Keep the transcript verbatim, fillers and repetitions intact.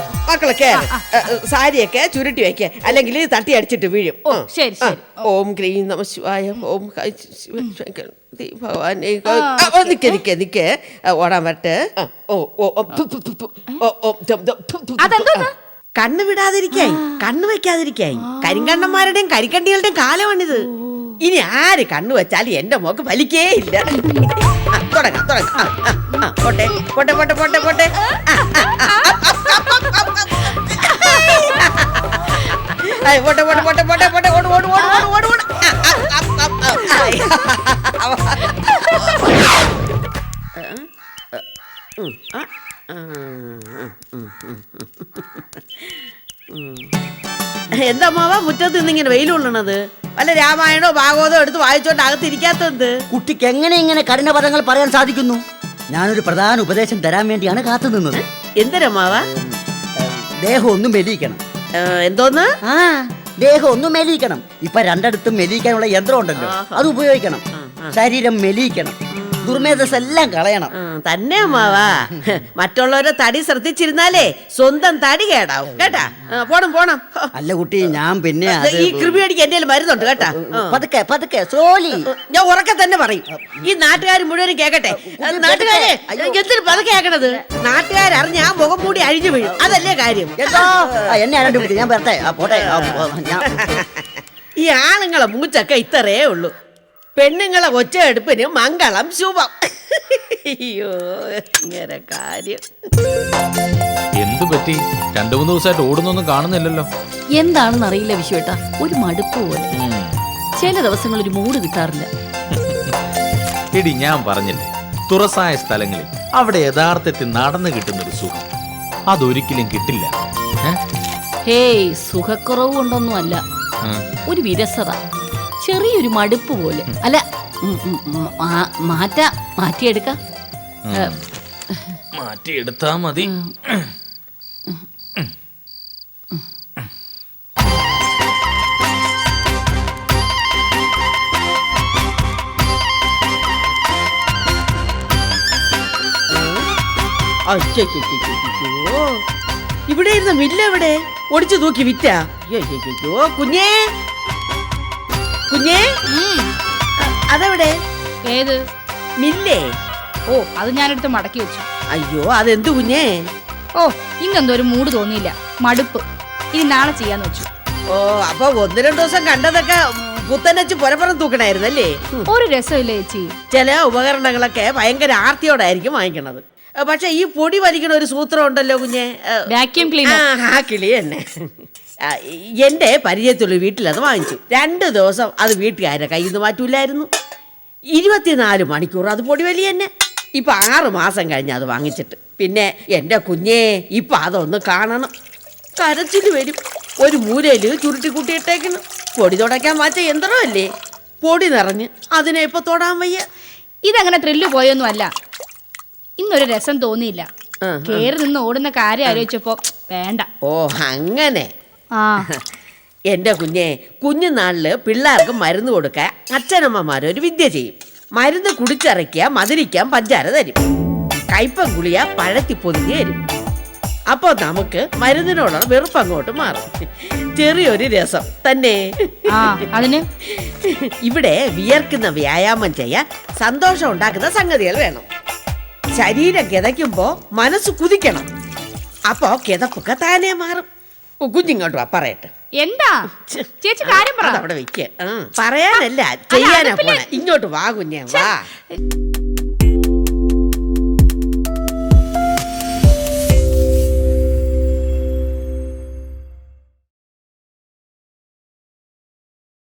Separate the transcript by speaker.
Speaker 1: മക്കളെ കേറ്. സാരിയൊക്കെ ചുരുട്ടി വെക്ക, അല്ലെങ്കിൽ തട്ടി അടിച്ചിട്ട് വീഴും.
Speaker 2: ശരി ശരി.
Speaker 1: ഓം ക്രീം നമ ശിവായ, ഓം ഭഗവാനെ. നിക്ക നിക്ക നിക്ക ഓടാൻ വരട്ടെ. ഓ ഓ കണ്ണ് വിടാതിരിക്കായി, കണ്ണ് വെക്കാതിരിക്കായി. കരിങ്കണ്ണന്മാരുടെയും കരിക്കണ്ടികളുടെയും കാലമാണിത്. ഇനി ആര് കണ്ണു വെച്ചാലും എന്റെ മോക്ക് വലിക്കേ ഇല്ല. തുടങ്ങാം തുടങ്ങാം. പോട്ടെ പോട്ടെ പോട്ടെ പോട്ടെ പോട്ടെ. പോട്ടെ പോട്ടെ പോട്ടെ പോട്ടെ പോട്ടെ. ഓട് ഓട് ഓട് ഓട് ഓട് ഓട്. എന്താ മാവാ മുറ്റത്ത് നിന്നിങ്ങനെ വെയിൽ കൊള്ളണത്? വല്ല രാമായണോ ഭാഗവതോ എടുത്ത് വായിച്ചോണ്ട് അകത്തിരിക്കാത്തത്?
Speaker 3: കുട്ടിക്ക് എങ്ങനെ ഇങ്ങനെ കഠിന പദങ്ങൾ പറയാൻ സാധിക്കുന്നു? ഞാനൊരു പ്രധാന ഉപദേശം തരാൻ വേണ്ടിയാണ് കാത്തു നിന്നത്.
Speaker 1: എന്തിനാ മാവാ?
Speaker 3: ദേഹം ഒന്നും മെലിയിക്കണം.
Speaker 1: എന്തോന്ന്?
Speaker 3: ആ ദേഹം ഒന്നും മെലിയിക്കണം. ഇപ്പൊ രണ്ടിടത്തും മെലിയിക്കാനുള്ള യന്ത്രം ഉണ്ടല്ലോ, അത് ഉപയോഗിക്കണം. ശരീരം മെലിയിക്കണം, ദുർമേധസ് എല്ലാം കളയണം.
Speaker 1: തന്നെ മാവാ. മറ്റുള്ളവരെ തടി ശ്രദ്ധിച്ചിരുന്നാലേ സ്വന്തം തടി കേടാവും കേട്ടാ. പോണം പോണം.
Speaker 3: അല്ല കുട്ടി, ഞാൻ പിന്നെ
Speaker 1: ഈ കൃമി അടിക്ക് എന്റെ മരുന്നുണ്ട് കേട്ടാ.
Speaker 3: പതുക്കെ പതുക്കെ സ്ലോലി.
Speaker 1: ഞാൻ ഉറക്കെ തന്നെ പറയും, ഈ നാട്ടുകാർ മുഴുവനും കേക്കട്ടെ. നാട്ടുകാരെ എന്തിനു പതുക്കെ കേക്കണത്? നാട്ടുകാരറിഞ്ഞ ആ മുഖം മൂടി അഴിഞ്ഞു വീഴും, അതല്ലേ കാര്യം.
Speaker 3: എന്നെ ആരണ്ട് ഞാൻ പറട്ടെ പോട്ടെ.
Speaker 1: ഈ ആണുങ്ങളെ മൂച്ചൊക്കെ ഇത്രേ ഉള്ളൂ, പെണ്ണുങ്ങളെ ഒച്ചയെടുപ്പിന് മംഗളം ശുഭം. അയ്യോ ഇങ്ങനെ കാര്യം.
Speaker 4: എന്തു പറ്റി? രണ്ടു മൂന്ന് ദിവസമായിട്ട് ഓടുന്നൊന്നും കാണുന്നില്ലല്ലോ.
Speaker 2: എന്താണെന്ന് അറിയില്ല വിശ്വേട്ടാ, ഒരു മടുപ്പ് പോലെ. ചില ദിവസങ്ങൾ ഒരു മൂഡ് കിട്ടാറില്ല.
Speaker 4: എടി ഞാൻ പറഞ്ഞില്ലേ, തുറസായ സ്ഥലങ്ങളിൽ അവിടെ യഥാർത്ഥത്തിൽ നടന്നു കിട്ടുന്നൊരു സുഖം അതൊരിക്കലും കിട്ടില്ല.
Speaker 2: ഹേയ്, സുഖക്കുറവ് കൊണ്ടൊന്നും അല്ല, ഒരു വിരസത, ചെറിയൊരു മടുപ്പ് പോലെ. അല്ല മാറ്റാ മാറ്റിയെടുക്കാം.
Speaker 4: മാറ്റിയെടുത്താ മതി.
Speaker 1: ഇവിടെ ഇരുന്ന മില്ല എവിടെ? ഒടിച്ചു തൂക്കി വിറ്റാ? അയ്യോ കുഞ്ഞേ കുഞ്ഞേ, അതെവിടെ?
Speaker 5: ഏത്
Speaker 1: മില്ലേ?
Speaker 5: ഓ, അത് ഞാനെടുത്ത് മടക്കി വെച്ചു.
Speaker 1: അയ്യോ അതെന്ത് കുഞ്ഞേ?
Speaker 5: ഓ, ഇന്നെന്തോ ഒരു മൂഡ് തോന്നിയില്ല, മടുപ്പ്. ഇനി നാളെ ചെയ്യാന്ന് വെച്ചു.
Speaker 1: ഓ, അപ്പൊ ഒന്ന് രണ്ടു ദിവസം കണ്ടതൊക്കെ പുത്തനച്ച് പുരപ്പുറം തൂക്കണായിരുന്നല്ലേ? ഒരു
Speaker 5: രസമില്ല ചേച്ചി.
Speaker 1: ചില ഉപകരണങ്ങളൊക്കെ ഭയങ്കര ആർത്തിയോടായിരിക്കും വാങ്ങിക്കണത്. പക്ഷെ ഈ പൊടി വലിക്കണ ഒരു സൂത്രം ഉണ്ടല്ലോ കുഞ്ഞെ,
Speaker 5: വാക്യൂം ക്ലീനർ.
Speaker 1: ആ കിളി തന്നെ. എന്റെ പരിചയത്തുള്ള വീട്ടിലത് വാങ്ങിച്ചു. രണ്ട് ദിവസം അത് വീട്ടുകാരെ കയ്യിൽ നിന്ന് മാറ്റൂലായിരുന്നു. ഇരുപത്തിനാല് മണിക്കൂർ അത് പൊടി വലിയ തന്നെ. ഇപ്പൊ ആറ് മാസം കഴിഞ്ഞ് അത് വാങ്ങിച്ചിട്ട്. പിന്നെ എന്റെ കുഞ്ഞേ, ഇപ്പൊ അതൊന്ന് കാണണം. കരച്ചിൽ വരും. ഒരു മൂലയില് ചുരുട്ടി കൂട്ടിയിട്ടേക്കുന്നു. പൊടി തുടയ്ക്കാൻ മാറ്റ യന്ത്രമല്ലേ, പൊടി നിറഞ്ഞ് അതിനെ ഇപ്പൊ തൊടാൻ വയ്യ.
Speaker 5: ഇതങ്ങനെ ത്രില്ല് പോയൊന്നും അല്ല, ഇന്നൊരു രസം തോന്നിയില്ല. കേറി നിന്ന് ഓടുന്ന കാര്യം ആലോചിച്ചപ്പോ വേണ്ട.
Speaker 1: ഓ അങ്ങനെ.
Speaker 5: ആ
Speaker 1: എൻ്റെ കുഞ്ഞെ, കുഞ്ഞുനാളില് പിള്ളേർക്ക് മരുന്ന് കൊടുക്കാൻ അച്ഛനമ്മമാരൊരു വിദ്യ ചെയ്യും. മരുന്ന് കുടിച്ചിറക്കിയ മധുരിക്കാൻ പഞ്ചാര തരും, കയ്പം ഗുളിയ പഴത്തി പൊതിഞ്ഞ് തരും. അപ്പോൾ നമുക്ക് മരുന്നിനോടുള്ള വെറുപ്പ് അങ്ങോട്ട് മാറും. ചെറിയൊരു രസം തന്നെ.
Speaker 5: അതിന്
Speaker 1: ഇവിടെ വിയർക്കുന്ന വ്യായാമം ചെയ്യാൻ സന്തോഷം ഉണ്ടാക്കുന്ന സംഗതികൾ വേണം. ശരീരം കിതയ്ക്കുമ്പോ മനസ്സ് കുതിക്കണം. അപ്പോ കിതപ്പൊക്കെ താനേ മാറും. കുഞ്ഞിങ്ങോട്ട് വാ, പറയട്ടെ.
Speaker 5: എന്താ ചേച്ചി കാര്യം പറ.
Speaker 1: അവിടെ വെക്ക. പറയാനല്ല ചെയ്യാനാ പോണെ. ഇങ്ങോട്ട് വാ കുഞ്ഞേ, വാ.